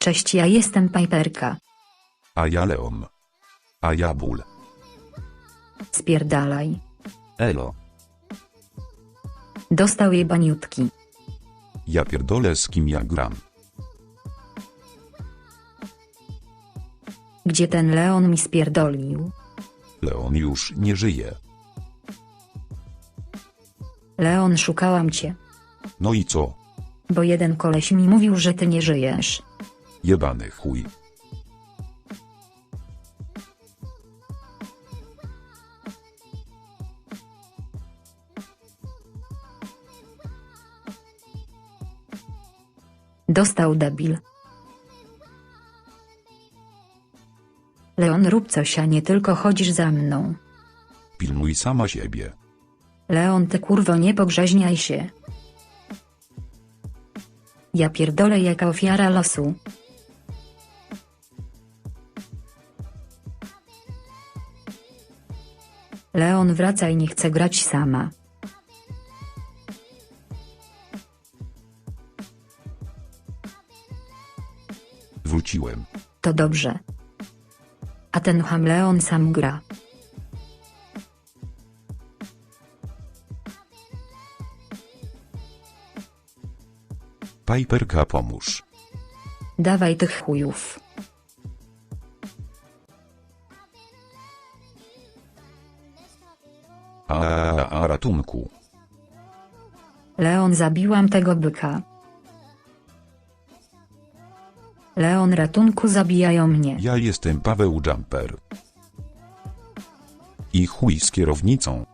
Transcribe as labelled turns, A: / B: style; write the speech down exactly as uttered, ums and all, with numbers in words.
A: Cześć, ja jestem Piperka.
B: A ja Leon. A ja Bull.
A: Spierdalaj.
B: Elo.
A: Dostał jej baniutki.
B: Ja pierdolę, z kim ja gram.
A: Gdzie ten Leon mi spierdolił?
B: Leon już nie żyje.
A: Leon, szukałam cię.
B: No i co?
A: Bo jeden koleś mi mówił, że ty nie żyjesz.
B: Jebany chuj.
A: Dostał debil. Leon, rób coś, a nie tylko chodzisz za mną.
B: Pilnuj sama siebie.
A: Leon, ty kurwo, nie pogrzeźniaj się. Ja pierdolę, jaka ofiara losu. Leon, wracaj, nie chcę grać sama.
B: Wróciłem.
A: To dobrze. A ten ham Leon sam gra.
B: Piperka, pomóż.
A: Dawaj tych chujów.
B: A, a, a ratunku.
A: Leon, zabiłam tego byka. Leon, ratunku, zabijają mnie.
B: Ja jestem Paweł Jumper. I chuj z kierownicą.